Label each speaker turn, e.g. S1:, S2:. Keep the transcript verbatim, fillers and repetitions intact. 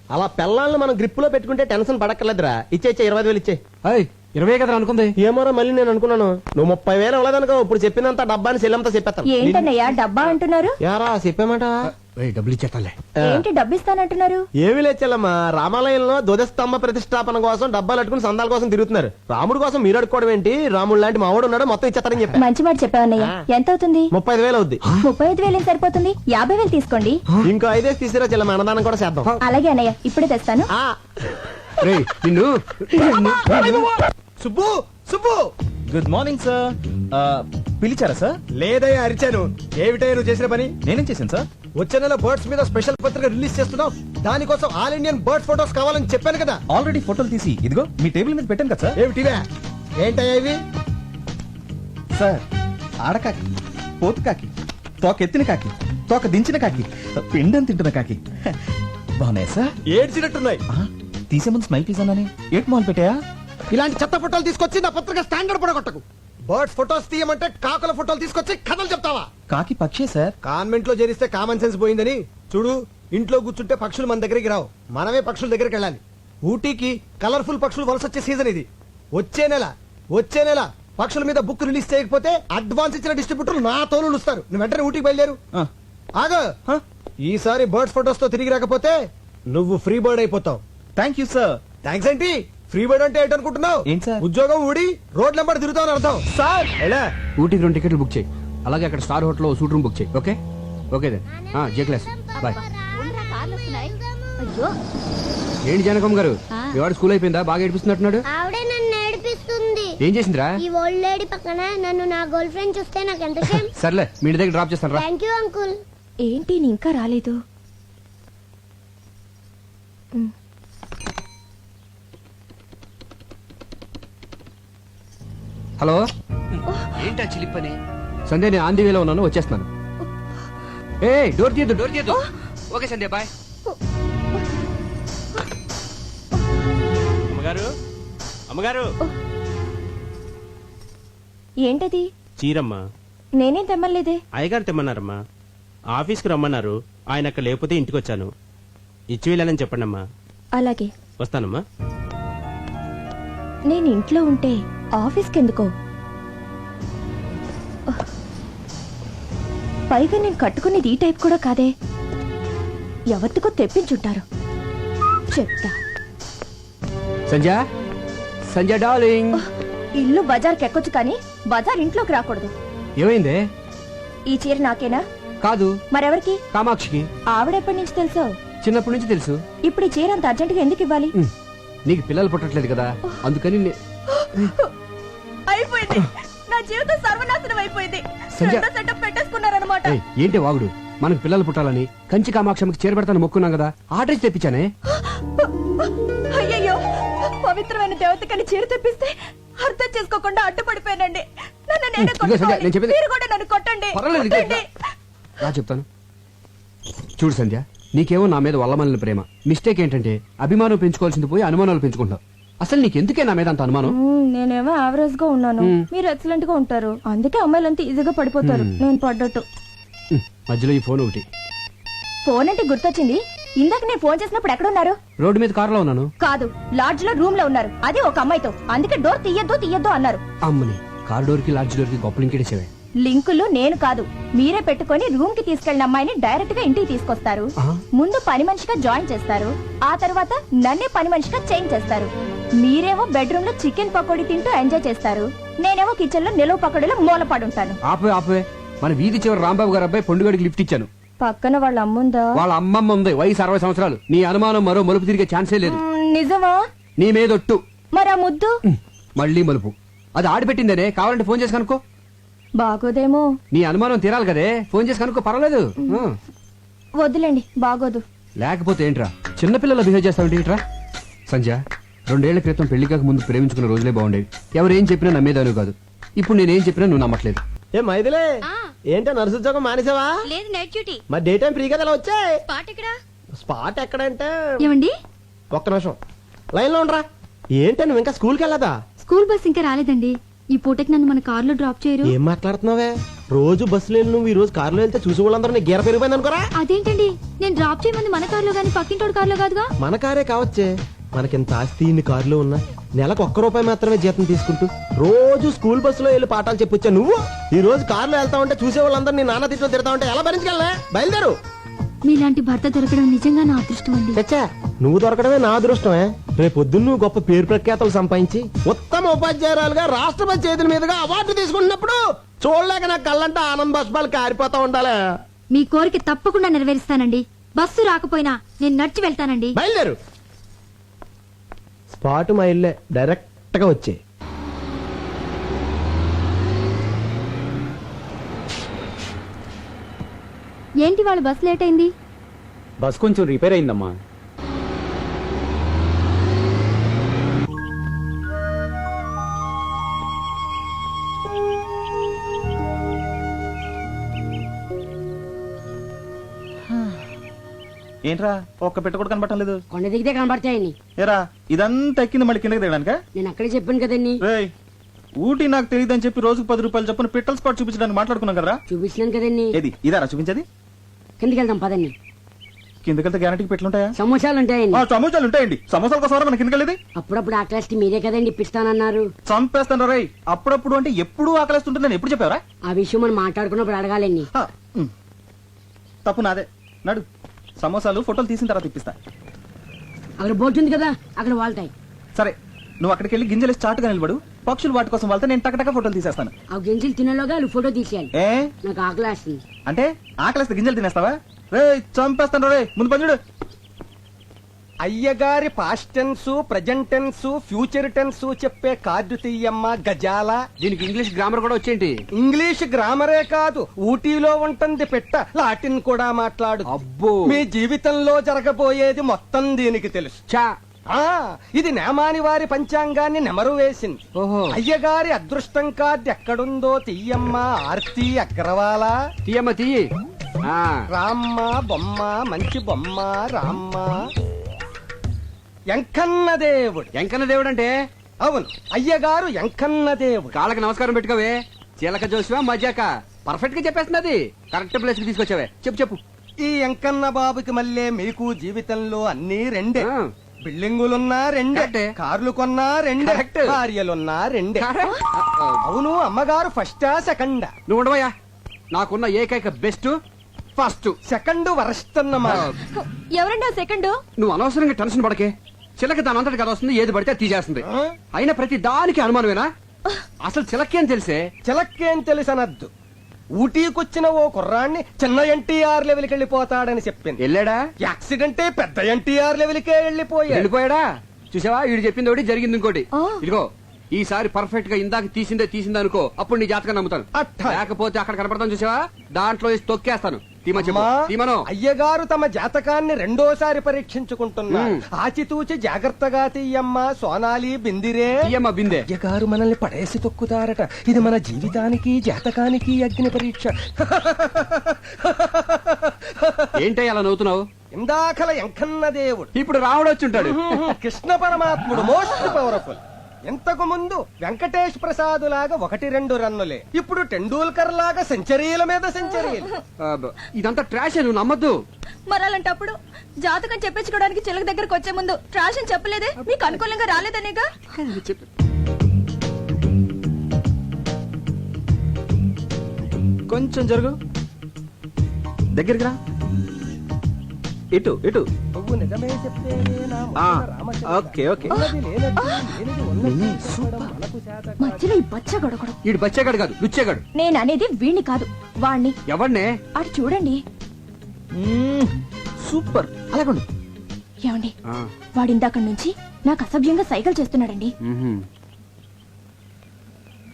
S1: అలా పిల్లల్ని మనం గ్రిప్ లో పెట్టుకుంటే టెన్షన్ పడక్కర్లేదురా. ఇచ్చే ఇచ్చే ఇరవై వేలు ఇచ్చే.
S2: ఇరవై కదా అనుకుంది.
S1: ఏమోరా మళ్ళీ నేను అనుకున్నాను నువ్వు ముప్పై వేలు అవ్వలేదనుకో. ఇప్పుడు చెప్పినంత డబ్బాని సెల్లంతా చెప్పేస్తాను.
S3: ఏంటన్నయ్యా డబ్బా అంటున్నారు?
S1: యారా చెప్పామాట
S2: డబ్బులు ఇచ్చేస్తాలే.
S3: ఏంటి డబ్బు ఇస్తానంటున్నారు?
S1: ఏమి లేచెల్లమ్మా, రామాలయంలో ధ్వజస్తంభ ప్రతిష్టాపన కోసం డబ్బాలు అట్టుకుని సందాల కోసం తిరుగుతున్నారు. రాముడు కోసం మీరు అడుకోవడం ఏంటి? రాముడు లాంటి మావాడు ఉన్నాడు, మొత్తం ఇచ్చేస్తారని చెప్పి.
S3: మంచి మాట చెప్పావన్నయ్య. ఎంత అవుతుంది?
S1: ముప్పై ఐదు వేలు అవుద్ది.
S3: ముప్పై ఐదు వేలు సరిపోతుంది, యాభై వేలు తీసుకోండి.
S1: ఇంకో ఐదేసి తీసిరా చెల్లమ్మ, అన్నదానం కూడా చేద్దాం.
S3: అలాగే అన్నయ్య, ఇప్పుడే తెస్తాను.
S2: నిన్ను
S1: Subbu Subbu
S4: good morning sir. పిలిచారా సార్?
S1: లేదయ్యా అరిచాను. ఏమిటయ్యా నువ్వు చేసిన పని?
S4: నేనేం చేశాను సార్?
S1: వచ్చే నెల బర్డ్స్ మీద స్పెషల్ పత్రిక రిలీజ్ చేస్తున్నావు. దానికోసం ఆల్ ఇండియన్ బర్డ్ ఫోటోస్ కావాలని చెప్పాను కదా.
S4: ఆల్రెడీ ఫోటోలు తీసి ఇదిగో మీ టేబుల్ మీద పెట్టాను కదా సార్.
S1: ఏమిటివే? ఏంటయ్యా ఇవి?
S4: సార్ ఆడకాకి, పోతు కాకి, తోక ఎత్తిన కాకి, తోక దించిన కాకి, పిండం తింటున్న కాకి బాగున్నాయి సార్.
S1: ఏడ్చినట్టున్నాయి.
S4: తీసే ముందు స్మైల్ ప్లీజ్ అన్నానే. ఏట్ మాల్ పెట్టాయా?
S1: ఇలాంటి చెత్త ఫోటోలు తీసుకొచ్చి నా పత్రిక స్టాండర్డ్ పడగొట్టకు. బర్డ్స్ ఫోటోస్ తీయమంటే కాకుల ఫోటోలు తీసుకొచ్చి కథలు చెప్తావా?
S4: కాకి పక్షే సార్.
S1: కాన్వెంట్ లో చేరిస్తే కామన్ సెన్స్ పోయిందని చూడు. ఇంట్లో కూర్చుంటే పక్షులు మన దగ్గరికి రావు, మనమే పక్షుల దగ్గరికి వెళ్ళాలి. ఊటీకి కలర్ఫుల్ పక్షులు వలస వచ్చే సీజన్ ఇది. వచ్చే నెల వచ్చే నెల పక్షుల మీద బుక్ రిలీజ్ చేయకపోతే అడ్వాన్స్ ఇచ్చిన డిస్ట్రిబ్యూటర్లు నా తోలు ఇస్తారు. నువ్వు వెంటనే ఊటీకి బయలుదేరు. ఆగ ఈసారి బర్డ్స్ ఫోటోస్ తో తిరిగి రాకపోతే నువ్వు ఫ్రీ బర్డ్ అయిపోతావు.
S4: Thank you sir.
S1: థ్యాంక్స్ ఏంటి? ఫ్రీ బర్డ్ అంటే ఏంటనుకుంటున్నావు?
S4: ఏంటి సార్?
S1: ఉద్యోగం ఊడి రోడ్ నెంబర్ తిరుగుతావు అని అర్థం.
S4: సార్
S1: ఎలా?
S2: ఊటీకి రెండు టికెట్లు బుక్ చేయి. అలాగే అక్కడ star hotel suite room book చేయి. Okay okay then J class bye. ఏంటి జానకమ్మ గారు, మీ వాడు స్కూల్ అయిపోయిందా? బాగా ఏడిపిస్తున్నట్టున్నాడు.
S5: ఆవిడే నన్ను ఏడిపిస్తుంది.
S2: ఏం చేసిందిరా?
S5: ఈ ఓల్డ్ లేడీ పక్కన నన్ను నా గర్ల్ ఫ్రెండ్ చూస్తే నాకు ఎంత షేమ్.
S2: సర్లే మీ ఇంటి దగ్గర డ్రాప్ చేస్తాను రా.
S5: Thank you uncle.
S3: ఏంటి నీ ఇంకా రాలేదు?
S2: హలో ఏంటా చిలిపని? సంధ్య నేను ఆంధీ వేలో ఉన్నాను, వచ్చేస్తున్నాను. ఏ డోర్ తీయద్దు డోర్ తీయద్దు. Okay Sandhya bye.
S1: అమ్మగారు అమ్మగారు
S3: ఏంటది?
S1: చీరమ్మా.
S3: నేనేం తెమ్మలేదే.
S1: అయ్యగారు తెమ్మన్నారమ్మా. ఆఫీస్కి రమ్మన్నారు, ఆయన అక్కడ లేకపోతే ఇంటికి వచ్చాను. ఇచ్చి వెళ్ళాలని చెప్పండమ్మా.
S3: అలాగే
S1: వస్తానమ్మా.
S3: నేను ఇంట్లో ఉంటే ఆఫీస్కి ఎందుకో? పైగా నేను కట్టుకునేది ఈ టైప్ కూడా కాదే. ఎవరికో తెప్పించుంటారు, చెప్తా.
S2: సంధ్య సంధ్య డార్లింగ్.
S3: ఇల్లు బజార్కి ఎక్కొచ్చు కానీ బజార్ ఇంట్లోకి రాకూడదు.
S2: ఏమైందే?
S3: ఈ చీర నాకేనా?
S2: కాదు,
S3: మరెవరికి?
S2: కామాక్షికి.
S3: ఆవిడెప్పటి నుంచి తెలుసో?
S2: చిన్నప్పటి నుంచి తెలుసు.
S3: ఇప్పుడు ఈ చీర అంత అర్జెంటుగా ఎందుకు ఇవ్వాలి?
S2: నీకు పిల్లలు పుట్టట్లేదు కదా, అందుకని నే-
S3: అయిపోయింది, నా జీవితం సర్వనాశనం అయిపోయింది.
S2: సంధ్య.
S3: రెండో సెటప్ పెట్టేసుకున్నారన్నమాట.
S2: ఏయ్, ఏంటి వాగుడు? మనకు పిల్లలు పుట్టాలని కంచి కామాక్షమికి చేరబెడతాను మొక్కున్నాం కదా, ఆర్డర్ ఇచ్చి తెప్పించానే.
S3: అయ్యయ్యో, పవిత్రమైన దేవతకని చీర తెప్పిస్తే అర్థం చేసుకోకుండా అడ్డుపడిపోయానండి. నన్ను నేనే
S2: ఇదిగో సంధ్య,
S3: కొట్టుకోవాలి.
S2: నేను చెప్పేది-
S3: మీరు కూడా నన్ను కొట్టండి.
S2: పర్వాలేదు, ఇదిగో
S3: కొట్టండి.
S2: రా చెప్తాను. చూడు సంధ్య, నీకేమో నా మీద వల్లమల్లిన ప్రేమ. మిస్టేక్ ఏంటంటే అభిమానం పెంచుకోవాల్సింది పోయి అనుమానాలు పెంచుకుంటావు. అసలు నీకెందుకే నా మీద అంత అనుమానం?
S3: మ్మ్, నేనేమో యావరేజ్ గా ఉన్నాను, మీరు ఎక్సలెంట్ గా ఉంటారు. అందుకే అమ్మాయిలంతా ఈజీగా పడిపోతారు, నేను పడ్డట్టు.
S2: ఉమ్, మధ్యలో ఈ ఫోన్ ఒకటి.
S3: ఫోన్ అంటే గుర్తొచ్చింది. ఇందాక నేను ఫోన్ చేసినప్పుడు ఎక్కడున్నారు?
S2: రోడ్డు మీద కారులో ఉన్నాను.
S3: కాదు, లాడ్జ్ లో రూమ్ లో ఉన్నారు, అది ఒక అమ్మాయితో. అందుకే డోర్ తీయద్దు తీయద్దు అన్నారు.
S2: అమ్మని, కార్ డోర్ కి లాడ్జ్ డోర్ కి గొప్ప లింకేసేవే.
S3: లింకులు నేను కాదు, మీరే పెట్టుకొని రూమ్ కి తీసుకెళ్లిన అమ్మాయిని డైరెక్ట్ గా ఇంటికి తీసుకొస్తారు. ముందు పని మనిషిగా జాయిన్ చేస్తారు, ఆ తర్వాత నన్నే పని మనిషిగా చేంజ్ చేస్తారు. మీరేమో బెడ్రూమ్ లో చికెన్ పకోడీ తింటూ ఎంజాయ్ చేస్తారు, నేనేమో కిచెన్ లో నిలువ పకోడీలో మూలపడుంటాను.
S2: ఆపే ఆపే, మన వీధి చివరి రాంబాబు గారు అబ్బాయి పొండుగడికి లిఫ్ట్ ఇచ్చాను.
S3: పక్కన వాళ్ళ అమ్ముందా?
S2: వాళ్ళ అమ్మమ్మ ఉంది, వయసు అరవై సంవత్సరాలు. నీ అనుమానం మరో మలుపు తిరిగే ఛాన్సే లేదు.
S3: మ్మ్, నిజమా?
S2: నీ మీదొట్టు.
S3: మరి ఆ ముద్దు?
S2: ఉమ్, మళ్ళీ మలుపు. అది ఆడిపెట్టిందనే, కావాలంటే ఫోన్ చేసి కనుక్కో.
S3: బాగోదేమో.
S2: నీ అనుమానం తీరాలి కదే, ఫోన్ చేసి కనుక్కో, పర్వాలేదు. ఆ.
S3: వద్దులేండి, బాగోదు.
S2: లేకపోతే ఏంట్రా చిన్నపిల్లలు బిహేవ్ చేస్తావు ఏంట్రా? సంధ్య, రెండేళ్ల క్రితం పెళ్లి కాక ముందు ప్రేమించుకున్న రోజులే బాగుండేవి. ఎవరేం చెప్పినా నమ్మేదాను కాదు. ఇప్పుడు నేనేం చెప్పినా నువ్వు నమ్మట్లేదు.
S1: ఏ మైదిలే, ఏంటో నర్సు ఉద్యోగం మానేసావా?
S6: లేదు, నైట్ డ్యూటీ.
S1: మరి డే టైం ఫ్రీ కదా వచ్చాయి.
S6: స్పాట్ ఎక్కడ?
S1: స్పాట్ ఎక్కడంటే
S6: ఏమండి,
S1: ఒక్క నిమిషం లైన్ లో ఉండరా. ఏంటో నువ్వు ఇంకా స్కూల్కి వెళ్ళదా?
S6: స్కూల్ బస్ ఇంకా రాలేదండి. ఈ పూటకి నన్ను మన కార్ లో డ్రాప్ చేయరు?
S1: ఏం మాట్లాడుతున్నావే? రోజు బస్సులో వెళ్ళి నువ్వు ఈ రోజు కారులో వెళ్తే చూసి వాళ్ళందరూ నీకు గీర పెరిగిపోయింది అనుకోరా.
S6: అదేంటండి నేను డ్రాప్ చేయమంది మన కార్లో గానీ పక్కింటోడు కార్లో కాదుగా.
S1: మన కారే కావచ్చే, మనకింత ఆస్తి ఇన్ని కారులో ఉన్నా నెలకు ఒక్క రూపాయి మాత్రమే జీతం తీసుకుంటూ రోజు స్కూల్ బస్సులో వెళ్ళి పాఠాలు చెప్పొచ్చా నువ్వు. ఈ రోజు కారులో వెళ్తా ఉంటే చూసే వాళ్ళందరూ నీ నాన్న తిట్లో తిడతా ఉంటే ఎలా భరించగలనే? బయలుదేరు.
S6: మీలాంటి భర్త దొరకడం నిజంగా నా అదృష్టం అండి.
S1: చచ్చా, నువ్వు దొరకడమే నా అదృష్టమే. రేపు పొద్దున్న నువ్వు గొప్ప పేరు ప్రఖ్యాతలు సంపాదించి ఉత్తమ ఉపాధ్యాయురాలుగా రాష్ట్రపతి చేతుల మీదుగా అవార్డు తీసుకుంటున్నప్పుడు చూడలేక నా కళ్ళంటే ఆనంద బాష్పాలు కారిపోతా ఉండాలి.
S6: మీ కోరిక తప్పకుండా నెరవేరుస్తానండి. బస్సు రాకపోయినా నేను నడిచి వెళ్తానండి.
S1: బయలుదేరు. స్పాట్ మా ఇల్లే, డైరెక్ట్ గా వచ్చే.
S6: ఏంటి వాళ్ళ బస్సు లేట్ అయింది?
S2: బస్ కొంచెం రిపేర్ అయిందమ్మా.
S4: ఏంట్రా ఒక్క పెట్ట కూడా కనబడటం లేదు.
S7: కొండ దిగితే కనబడతాయని.
S4: ఏరా ఇదంతా ఎక్కింది మళ్ళీ కిందకి దిగడానికా?
S7: నేను అక్కడే చెప్పాను కదండి.
S4: రేయ్ ఊటీ నాకు తెలియదని చెప్పి రోజుకు పది రూపాయలు చెప్పిన పిట్టల స్పాట్ చూపించడానికి మాట్లాడుకున్నాం కదరా.
S7: చూపించినాను కదండి.
S4: ఏది ఇదారా చూపించేది?
S7: కిందకి వెళ్దాం పదండి.
S4: కిందకెళ్తే గ్యారంటీకి పెట్లుంటాయా?
S7: సమోసాలు ఉంటాయండి.
S4: ఆ, సమోసాలు ఉంటాయండి. సమోసాల కోసం మన కిందకెళ్ళేది.
S7: అప్పుడప్పుడు ఆ క్లాస్ మీరే కదండి ఇప్పిస్తానన్నారు.
S4: చంపేస్తాను రేయ్. అప్పుడప్పుడు అంటే ఎప్పుడు ఆకలిస్తుంటుంది నేను ఎప్పుడు చెప్పావరా?
S7: ఆ విషయం మనం మాట్లాడుకున్నప్పుడు అడగాలండి.
S4: హ, ఉమ్. తప్పు నాదే. నడు, సమోసాలు ఫోటోలు తీసిన తర్వాత ఇప్పిస్తా.
S7: అక్కడ బోర్డు ఉంది కదా, అక్కడ వాళ్తాయి.
S4: సరే, నువ్వు అక్కడికి వెళ్ళి గింజలు చాటుగా నిలబడు. పక్షులు వాటి కోసం వెళ్తే నేను టకటక ఫోటోలు తీసేస్తాను.
S7: ఆ గింజలు తినేలోగా వాళ్ళు ఫోటో తీసేయాలి.
S4: ఏ
S7: నాకు ఆకలి వేస్తుంది.
S4: అంటే ఆకలిస్తే గింజలు తినేస్తావా? రే చంపేస్తాను రే. ముందు పని
S1: అయ్యగారి past tense, present tense, future tense చెప్పే కార్డు తీయమ్మ గజాల.
S2: దీనికి ఇంగ్లీష్ గ్రామర్ కూడా వచ్చేంటి?
S1: ఇంగ్లీష్ గ్రామరే కాదు, ఊటీలో ఉంటుంది పెట్ట లాటిన్ కూడా మాట్లాడు.
S2: అబ్బో.
S1: మీ జీవితంలో జరగబోయేది మొత్తం దీనికి తెలుసు.
S2: చా.
S1: ఆ ఇది నేమాని వారి పంచాంగాన్ని నెమరు వేసింది.
S2: ఓహో.
S1: అయ్యగారి అదృష్టం కార్డు ఎక్కడుందో తీయమ్మ ఆర్తి అగ్రవాల.
S2: తీయమ్మ తీయి. ఆ.
S1: రామ్మ బొమ్మ మంచి బొమ్మ రామ్మ. ఎంకన్న దేవుడు.
S2: ఎంకన్న దేవుడు అంటే?
S1: అవును, అయ్యగారు ఎంకన్న దేవుడు.
S2: కాళ్ళకి నమస్కారం పెట్టుకోవే. చీలక జోసివా మజాక పర్ఫెక్ట్ గా చెప్పేస్తున్నది. కరెక్ట్ ప్లేస్ కి తీసుకొచ్చావే. చెప్పు చెప్పు.
S1: ఈ ఎంకన్న బాబుకి మళ్ళీ మీకు జీవితంలో అన్ని రెండే.
S2: ఆ.
S1: బిల్డింగులున్నా రెండే,
S2: కరెక్టే.
S1: కార్లు కొన్నా రెండే,
S2: కరెక్ట్.
S1: భార్యలున్నా రెండే.
S2: కరెక్ట్.
S1: అవును, అమ్మగారు ఫస్టా సెకండా?
S2: నువ్వు ఉండవయ్యా. నాకున్న ఏకైక బెస్ట్ ఫస్ట్.
S1: సెకండ్ వరస్ట్ అన్నమాట.
S3: ఎవరండి ఆ సెకండ్?
S2: నువ్వు అనవసరంగా టెన్షన్ పడకే. చిలక దాని అంతటి కదా వస్తుంది, ఏది పడితే తీసేస్తుంది. అయినా ప్రతి దానికి అనుమానమేనా? అసలు చిలకేం తెలిసే?
S1: చిలక్కేం తెలుసనద్దు. ఊటీకొచ్చిన ఓ కుర్రాన్ని చిన్న ఎన్టీఆర్ లెవెల్కి వెళ్ళిపోతాడని చెప్పింది.
S2: వెళ్ళాడా?
S1: యాక్సిడెంటే పెద్ద ఎన్టీఆర్ లెవెల్కే వెళ్ళిపోయాడు.
S2: వెళ్ళిపోయాడా? చూసావా, వీడు చెప్పింది ఒకటి జరిగింది ఇంకోటి.
S3: ఆ.
S2: ఇదిగో ఈసారి పర్ఫెక్ట్ గా ఇందాక తీసిందే తీసిందే అనుకో, అప్పుడు నీ జాతకం నమ్ముతాను.
S1: అట్టా.
S2: లేకపోతే అక్కడ కనపడతాను చూసావా, దాంట్లో వేసి తొక్కేస్తాను. తీమ చెప్పు.
S1: అమ్మా,
S2: తీమను.
S1: అయ్యగారు తమ జాతకాన్ని రెండోసారి పరీక్షించుకుంటున్నారు.
S2: మ్.
S1: ఆచితూచి జాగ్రత్తగా తీయమ్మ సోనాలి బిందిరే.
S2: తీయమ్మ బిందె.
S1: అయ్యగారు మనల్ని పడేసి తొక్కుతారట. ఇది మన జీవితానికి జాతకానికి అగ్ని పరీక్ష.
S2: ఏంటో అలా నవ్వుతున్నావు?
S1: ఇందాకల ఎంకన్న దేవుడు,
S2: ఇప్పుడు రాముడు వచ్చి ఉంటాడు.
S1: కృష్ణ పరమాత్ముడు మోస్ట్ పవర్ఫుల్. ఇంతకు ముందు వెంకటేష్ ప్రసాద్ లాగా ఒకటి రెండు రన్నులే, ఇప్పుడు టెండూల్కర్ లాగా సెంచరీల మీద సెంచరీలు.
S2: అబ్బ, ఇదంతా ట్రాష్. నువ్వు నమ్మద్దు.
S3: మరాలంటప్పుడు జాతకం చెప్పించుకోవడానికి చిలక దగ్గరకు వచ్చే ముందు ట్రాష్ అని చెప్పలేదే? మీకు అనుకూలంగా రాలేదనేగా?
S2: చెప్పు.
S4: కొంచెం జరుగు, దగ్గరికి రా. ఇటు ఇటు.
S1: నువ్వు నిజమే చెప్తేనే నా
S4: ఆ,
S1: మొదట రామచంద్ర.
S4: Okay okay.
S1: ఉన్నది లేనట్టు, లేనిది ఉన్నట్టు చెప్పడం మనకు చేత కాదు.
S3: మధ్యలో ఈ బచ్చ గొడగడం.
S2: వీడు బచ్చేగాడు కాదు, లుచ్చేగాడు.
S3: నేను అనేది వీణ్ణి కాదు, వాణ్ణి.
S2: ఎవడనే?
S3: అటు చూడండి.
S4: మ్మ్, సూపర్. అలాగండి.
S3: ఏమండి, వాడిందాక నుంచి నాకు అసభ్యంగా సైకిల్ చేస్తున్నాడండి.
S2: మ్మ్హ్మ్.